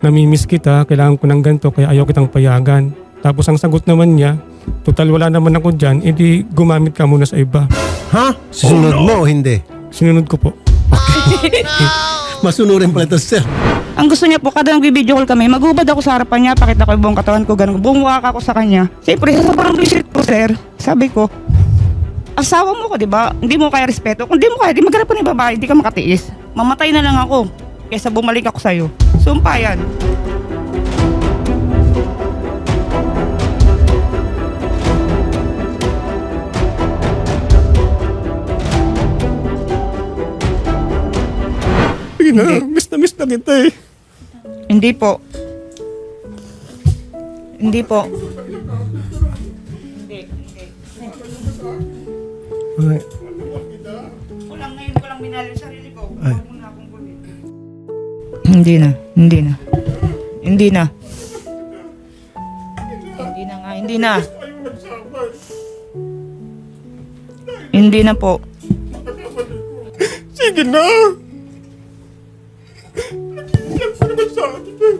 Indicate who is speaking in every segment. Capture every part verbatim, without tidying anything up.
Speaker 1: namimiss kita, kailangan ko ng ganito, kaya ayaw kitang payagan. Tapos ang sagot naman niya, total wala naman ako dyan, edi gumamit ka muna sa iba.
Speaker 2: Ha? Susunod mo o hindi?
Speaker 1: Sinunod ko po.
Speaker 2: Masunurin pala ito, sir.
Speaker 3: Ang gusto niya po, kada nag-video call kami, magubad ako sa harapan niya, pakita ko yung buong katawan ko, ganun. Bumuwak ako sa kanya. Siyempre, sa parang visit ko, sir, sabi ko, asawa mo ko, di ba? Hindi mo kaya respeto. Kung di mo kaya, di maghanap pa ni babae, di ka makatiis. Mamatay na lang ako, kaysa bumalik ako sa'yo. Sumpa yan.
Speaker 1: Sige na, miss na miss na kita eh.
Speaker 3: Hindi po. Hindi po. Hindi, hindi.
Speaker 2: Ay,
Speaker 3: Kulang ngayon ko lang minahal yung sarili ko.
Speaker 2: Ay.
Speaker 3: Huwag mo na akong kulit. Hindi na, hindi na. Hindi na. Hindi na nga, hindi na. Hindi na po.
Speaker 1: Sige na. Nagsilang ko naman sa akin eh.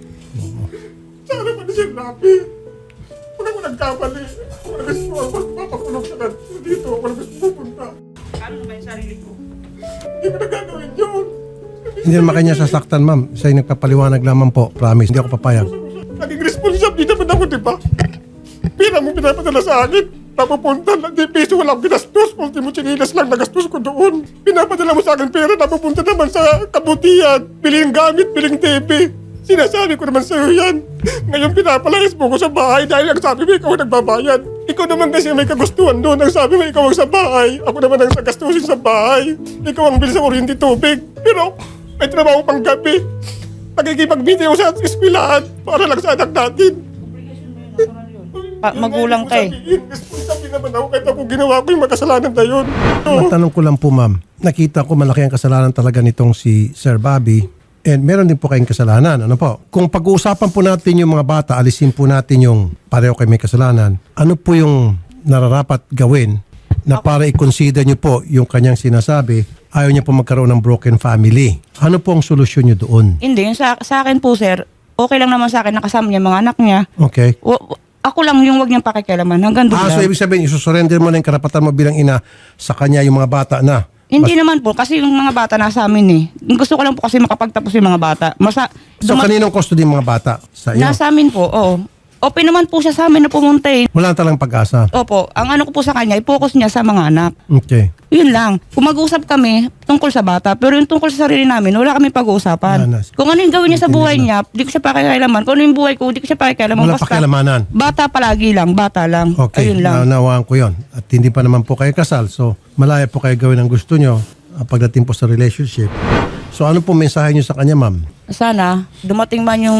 Speaker 1: Sana pa na siya napi. Huwag ako nagkamali. Ako na gusto ako magpapakulong siya na dito. Ako na gusto pupunta.
Speaker 3: Ano ba yung sarili ko?
Speaker 1: Hindi ko na gagawin yun.
Speaker 2: hindi naman kanya sasaktan, ma'am. Siya yung nagpapaliwanag lamang po. Promise, hindi ako papayag.
Speaker 1: Naging responsible naman ako, di ba? Pira mo pinapadala sa akin. Napupunta lang, di piso walang ginastos. Ultimo chinilas lang nagastos ko doon. Pinapadala mo sa akin pera, napupunta naman sa kabutihan. Biling gamit, biling T V. Sinasabi ko naman sa'yo yan. Ngayon pinapalayas mo ko sa bahay dahil ang sabi mo ikaw ang nagbabayad. Ikaw naman kasi may kagustuhan doon. Ang sabi mo ikaw ang sa bahay. Ako naman ang gastusin sa bahay. Ikaw ang bilis sa kuryente tubig. Pero may trabaho pang gabi. Nagkikipag-video sa eskwelahan para lang sa anak natin.
Speaker 3: Pa- magulang ka eh.
Speaker 1: Responsable naman ako kahit ako ginawa ko yung makasalanan na yun. Oo.
Speaker 2: Matanong ko lang po, ma'am. Nakita ko malaki ang kasalanan talaga nitong si Sir Bobby. And meron din po kayong kasalanan. Ano po? Kung pag-uusapan po natin yung mga bata, alisin po natin yung pareho kayo may kasalanan. Ano po yung nararapat gawin na para i-consider nyo po yung kanyang sinasabi, ayaw niya po magkaroon ng broken family. Ano po ang solusyon nyo doon?
Speaker 3: Hindi, yung sa, sa akin po sir, okay lang naman sa akin nakasama niya mga anak niya.
Speaker 2: Okay?
Speaker 3: W- w- ako lang yung wag niyang pakikialaman. Hanggang doon
Speaker 2: Ah, so
Speaker 3: lang.
Speaker 2: ibig sabihin, isusurrender mo na yung karapatan mo bilang ina sa kanya yung mga bata na.
Speaker 3: Hindi naman po, kasi yung mga bata nasa amin eh. Gusto ko lang po kasi makapagtapos yung mga bata. Masa,
Speaker 2: So
Speaker 3: dumat-
Speaker 2: kaninong custody yung mga bata? Sa iyo?
Speaker 3: nasa amin po, oo. Open naman po siya sa amin na pumunta eh.
Speaker 2: Wala na talagang pag-asa.
Speaker 3: Opo, ang ano ko po sa kanya, i-focus niya sa mga anak.
Speaker 2: Okay.
Speaker 3: Yun lang. Kung mag-usap kami tungkol sa bata, pero yung tungkol sa sarili namin, wala kami pag-uusapan.
Speaker 2: Wala na.
Speaker 3: Kung ano yung gawin niya sa buhay niya, di ko siya pakikialaman. Kung ano yung buhay ko, di ko siya pakikialaman.
Speaker 2: Wala
Speaker 3: Basta,
Speaker 2: pakialamanan.
Speaker 3: bata palagi lang, bata lang.
Speaker 2: Okay,
Speaker 3: Ayun lang.
Speaker 2: naunawaan ko yon. At hindi pa naman po kayo kasal. So, malaya po kayo gawin ang gusto nyo uh, pagdating po sa relationship. So, ano po mensahe nyo sa kanya, ma'am?
Speaker 3: Sana, dumating man yung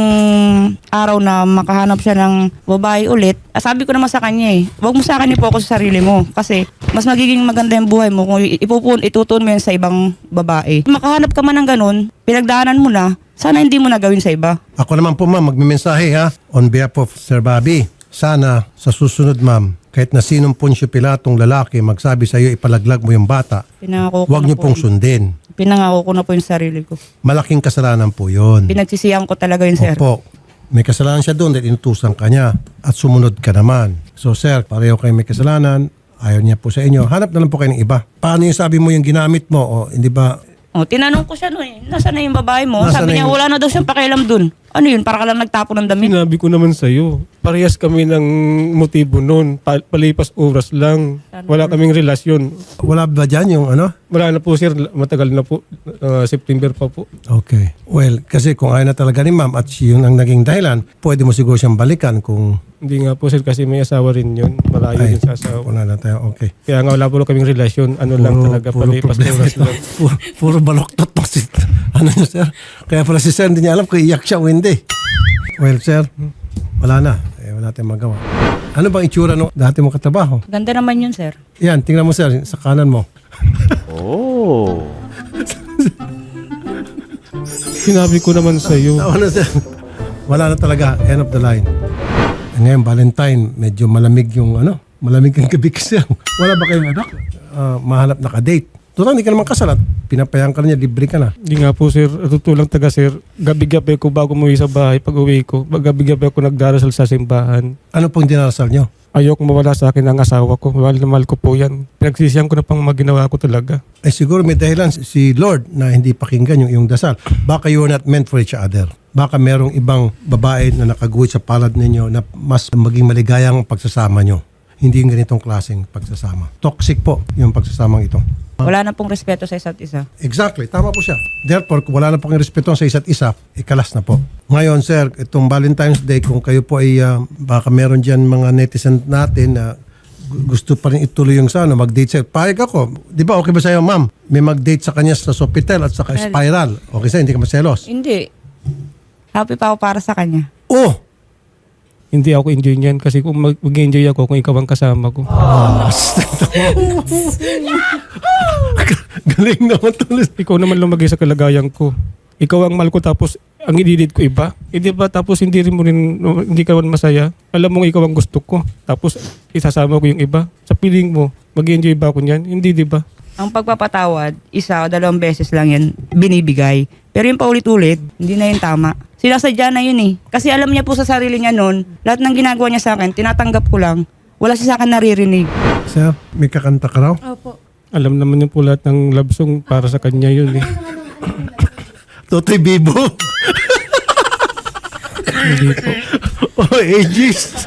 Speaker 3: araw na makahanap siya ng babae ulit. Ah, sabi ko naman sa kanya eh, huwag mo sa akin i-focus sa sarili mo. Kasi, mas magiging maganda yung buhay mo kung ipupun, itutun mo yan sa ibang babae. Makahanap ka man ng ganun, pinagdaanan mo na, sana hindi mo na gawin sa iba.
Speaker 2: Ako naman po, ma'am, magmimensahe ha. On behalf of Sir Bobby, sana sa susunod, ma'am, kahit na sinong Poncio Pilatong lalaki magsabi sa iyo ipalaglag mo yung bata,
Speaker 3: Pinangako ko
Speaker 2: huwag
Speaker 3: na
Speaker 2: nyo
Speaker 3: po
Speaker 2: pong
Speaker 3: yun.
Speaker 2: sundin.
Speaker 3: Pinangako ko na po yung sarili ko.
Speaker 2: Malaking kasalanan po yun.
Speaker 3: Pinagsisiyan ko talaga yun, sir.
Speaker 2: Opo. May kasalanan siya doon dahil inutusan ka niya at sumunod ka naman. So sir, pareho kayo may kasalanan, ayaw niya po sa inyo. Hanap na lang po kayo ng iba. Paano yung sabi mo yung ginamit mo? O hindi ba?
Speaker 3: O, tinanong ko siya noon eh, nasaan na yung babae mo?
Speaker 2: Nasaan
Speaker 3: Sabi
Speaker 2: na
Speaker 3: niya,
Speaker 2: yung-
Speaker 3: wala na daw siyang pakialam dun. Ano yun, para ka lang nagtapon ng damit?
Speaker 1: Sinabi ko naman sa'yo, parehas kami ng motibo noon. Pa- palipas oras lang. Wala kaming relasyon.
Speaker 2: Wala ba dyan yung ano?
Speaker 1: Wala na po sir, matagal na po. Uh, September pa po.
Speaker 2: Okay. Well, kasi kung ayaw na talaga ni ma'am at siya yun ang naging dahilan, pwede mo siguro siyang balikan kung
Speaker 1: Hindi nga po sir kasi may asawa rin yun. Malayo
Speaker 2: ay,
Speaker 1: din sa asawa.
Speaker 2: wala na tayo. Okay.
Speaker 1: Kaya nga wala po kaming relasyon. Ano lang talaga, palipas
Speaker 2: problema
Speaker 1: oras
Speaker 2: ito.
Speaker 1: lang.
Speaker 2: Puro, puro baloktot po si, ano niya, sir. Kaya pala si sir, hindi niya alam kung iyak siya o hindi. Well, sir, wala na. Eh, wala tayong magawa. Ano bang itsura nung dati mong katrabaho?
Speaker 3: Ganda naman yun, sir.
Speaker 2: Yan, tingnan mo, sir, sa kanan mo.
Speaker 1: Sinabi ko naman sa'yo.
Speaker 2: Ano, sir? Wala na talaga. End of the line. Ngayon, Valentine, medyo malamig yung ano, malamig ang gabi kasi. Wala ba kayong anak? Ah, mahanap na ka-date. Total, hindi ka naman kasal at pinapayaan ka na niya, libre ka na.
Speaker 4: Hindi nga po sir, tutulang taga sir, gabi-gabi ko bago umuwi sa bahay, pag uwi ko, gabi-gabi ako nagdarasal sa simbahan.
Speaker 2: Ano pong dinarasal nyo?
Speaker 4: Ayoko mawala sa akin ang asawa ko, mahal na mahal ko po yan. Pinagsisiyam ko na pang mga ginawa ko talaga.
Speaker 2: Eh siguro may dahilan si Lord na hindi pakinggan yung iyong dasal. Baka you are not meant for each other. Baka merong ibang babae na nakaguhit sa palad ninyo na mas maging maligayang pagsasama nyo. Hindi yung ganitong klaseng pagsasama. Toxic po yung pagsasamang ito.
Speaker 3: Wala na pong respeto sa isa't isa.
Speaker 2: Exactly. Tama po siya. Therefore, kung wala na pong respeto sa isa't isa, ikalas na po. Ngayon, sir, itong Valentine's Day, kung kayo po ay uh, baka meron dyan mga netizen natin na gu- gusto pa rin ituloy yung sa ano, mag-date sa'yo. Payag ako. Di ba okay ba sa'yo, ma'am? May mag-date sa kanya sa Sofitel at sa Spiral. Okay sa'yo, hindi ka maselos.
Speaker 3: Hindi. Happy pa ako para sa kanya.
Speaker 2: Oh!
Speaker 4: Hindi ako enjoy niyan kasi kung mag- mag-enjoy ako kung ikaw ang kasama ko.
Speaker 2: Galing naman tulis.
Speaker 4: Ikaw naman lumagay sa kalagayan ko. Ikaw ang mahal ko tapos ang ididid ko iba. Hindi ba tapos hindi rin mo rin, hindi ka naman masaya. Alam mo ikaw ang gusto ko. Tapos isasama ko yung iba. Sa piling mo, mag-enjoy ba ako niyan? Hindi, di ba?
Speaker 3: Ang pagpapatawad, isa o dalawang beses lang yan binibigay. Pero yung paulit-ulit, hindi na yun tama. Sinasadya na yun eh. Kasi alam niya po sa sarili niya noon, lahat ng ginagawa niya sa akin, tinatanggap ko lang. Wala siya sa akin naririnig.
Speaker 2: Sir, may kakanta ka raw?
Speaker 5: Opo.
Speaker 4: Alam naman niya po lahat ng love song para sa kanya yun eh.
Speaker 2: Totoy Bibo.
Speaker 4: Hindi po.
Speaker 2: Oh, ages.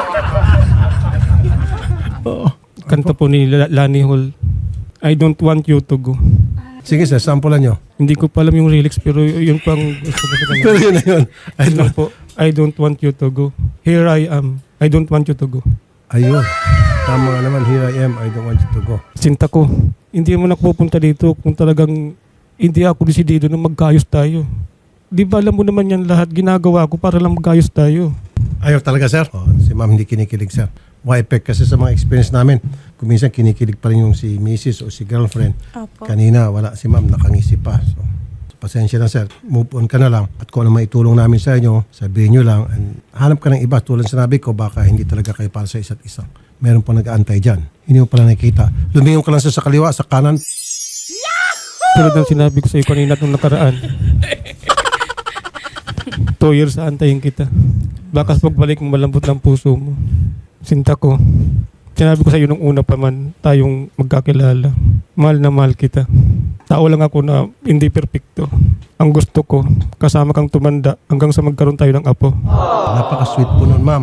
Speaker 4: Kanta po ni La- Lani Hall. I don't want you to go.
Speaker 2: Sige sir, sampulan nyo.
Speaker 4: Hindi ko pa alam yung lyrics pero yun pang gusto ko sa kanya.
Speaker 2: Pero yun na yun. I
Speaker 4: Ayun lang
Speaker 2: don't-
Speaker 4: po. I don't want you to go. Here I am. I don't want you to go.
Speaker 2: Ayun. Tama nga naman, here I am, I don't want you to go.
Speaker 4: Sinta ko, hindi mo napupunta dito kung talagang hindi ako desidido na magkayos tayo. Di ba alam mo naman yan lahat, ginagawa ko para lang magkayos tayo.
Speaker 2: Ayaw talaga, sir? Oh, si ma'am hindi kinikilig, sir. Why effect kasi sa mga experience namin, kung minsan kinikilig pa rin yung si missus o si girlfriend.
Speaker 5: Opo.
Speaker 2: Kanina, wala si ma'am, nakangisi pa. So, pasensya na, sir. Move on ka na lang. At kung ano maitulong namin sa inyo, sabihin nyo lang. And hanap ka ng iba. Tulad sinabi ko, baka hindi talaga kayo para sa isa't isa. Meron pa nag-aantay dyan. Hindi mo pala nakikita. Lumingon ka lang sa, sa kaliwa, sa kanan.
Speaker 4: Tulad ng sinabi ko sa iyo kanina nung nakaraan. Two years aantayin kita. Baka pagbalik mo malambot ng puso mo. Sinta ko. Sinabi ko sa iyo nung una pa man tayong magkakilala. Mahal na mahal kita. Tao lang ako na hindi perpekto. Ang gusto ko, kasama kang tumanda hanggang sa magkaroon tayo ng apo.
Speaker 2: Napaka-sweet po nun, ma'am.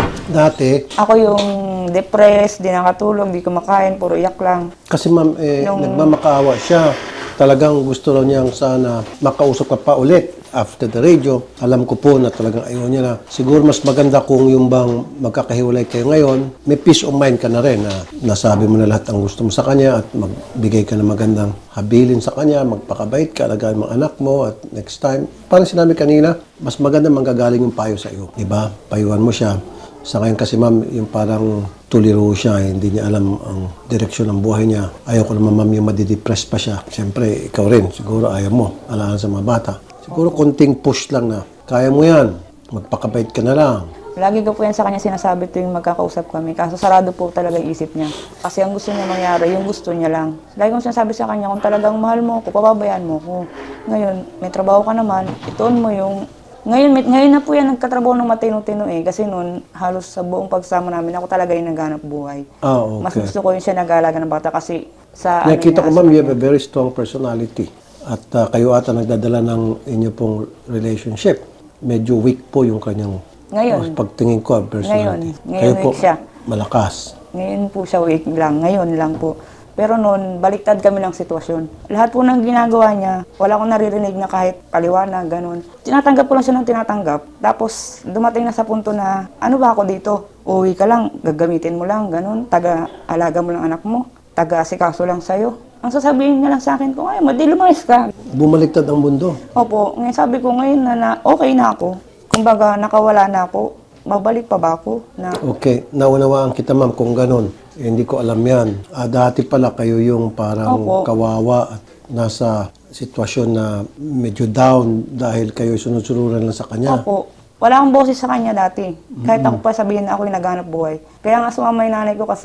Speaker 2: Dati,
Speaker 3: Ako yung depressed, di nakatulog, di kumakain, puro iyak lang.
Speaker 2: kasi ma'am, eh,
Speaker 3: Nung-
Speaker 2: nagmamakaawa siya. Talagang gusto raw niyang sana makausap ka pa ulit after the radio. Alam ko po na talagang ayaw niya na. Siguro mas maganda kung yung bang magkakahiwalay kayo ngayon, may peace of mind ka na rin na nasabi mo na lahat ang gusto mo sa kanya at magbigay ka ng magandang habilin sa kanya, magpakabait ka, alagaan mga anak mo at next time. Parang sinabi kanina, mas maganda manggagaling yung payo sa iyo. Diba? Payuhan mo siya. Sa ngayon kasi ma'am, yung parang tuliro siya, eh, hindi niya alam ang direksyon ng buhay niya. Ayaw ko naman ma'am yung madidepress pa siya. Siyempre, ikaw rin, siguro ayaw mo, alaan sa mga bata. Siguro konting push lang na, kaya mo yan, magpakabait ka na lang.
Speaker 3: Lagi ko po yan sa kanya sinasabi tuwing magkakausap kami. Kaso sarado po talaga yung isip niya. Kasi ang gusto niya mangyari, yung gusto niya lang. Lagi kong sinasabi sa kanya, kung talagang mahal mo ako, pababayaan mo ako. Ngayon, may trabaho ka naman, ituon mo yung... Ngayon, may- ngayon na po yan nagkatrabaho ng matino-tino eh. Kasi noon, halos sa buong pagsama namin, ako talaga yung naghanap buhay.
Speaker 2: Ah, okay.
Speaker 3: Mas gusto ko yung siya nag-aalaga ng bata kasi sa...
Speaker 2: Nakita ko
Speaker 3: niya,
Speaker 2: ma'am,
Speaker 3: sa
Speaker 2: you have
Speaker 3: kanya.
Speaker 2: a very strong personality. At ah, kayo ata nagdadala ng inyo pong relationship. Medyo weak po yung kanyang
Speaker 3: Ngayon.
Speaker 2: pagtingin ko, ah, personality.
Speaker 3: Ngayon. Ngayon
Speaker 2: kayo po,
Speaker 3: weak siya.
Speaker 2: malakas.
Speaker 3: Ngayon po siya week lang, ngayon lang po. Pero noon, baliktad kami ng sitwasyon. Lahat po ng ginagawa niya, wala akong naririnig na kahit paliwanag, ganun. Tinatanggap ko lang siya ng tinatanggap. Tapos dumating na sa punto na, ano ba ako dito? Uwi ka lang, gagamitin mo lang, ganun. Taga-alaga mo lang anak mo, taga-asikaso lang sa'yo. Ang sasabihin niya lang sa akin, kung ayaw mo, di lumayas ka.
Speaker 2: Bumaliktad ang mundo.
Speaker 3: Opo, ngayon sabi ko ngayon na, na okay na ako. Kumbaga, nakawala na ako. Babalik pa ba ako? Na,
Speaker 2: Okay, naunawaan kita ma'am kung ganun. Eh, hindi ko alam yan. Ah, dati pala kayo yung parang
Speaker 3: Opo.
Speaker 2: kawawa at nasa sitwasyon na medyo down dahil kayo sunod-sunuran lang sa kanya.
Speaker 3: Opo. Wala akong boses sa kanya dati. Kahit ako pa sabihin na ako yung naghanap buhay. Kaya nga sumama yung nanay ko kasi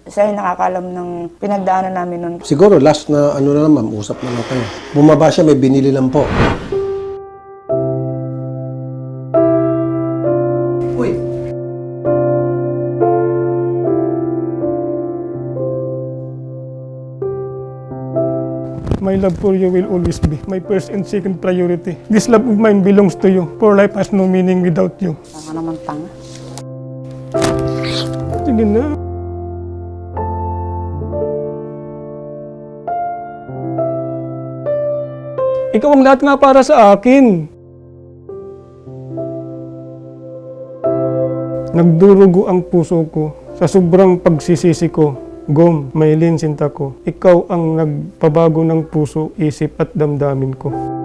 Speaker 3: Siya yung nakakalam ng pinagdaanan namin nun.
Speaker 2: Siguro last na ano na lang ma'am, usap na lang kayo. Bumaba siya, may binili lang po. Uy.
Speaker 4: My love for you will always be my first and second priority. This love of mine belongs to you, for life has no meaning without you.
Speaker 3: Saka naman tanga.
Speaker 4: Sige na. Ikaw ang lahat nga para sa akin. Nagdurugo ang puso ko sa sobrang pagsisisi ko. Gom, Maylin, sinta ko, ikaw ang nagpabago ng puso, isip at damdamin ko.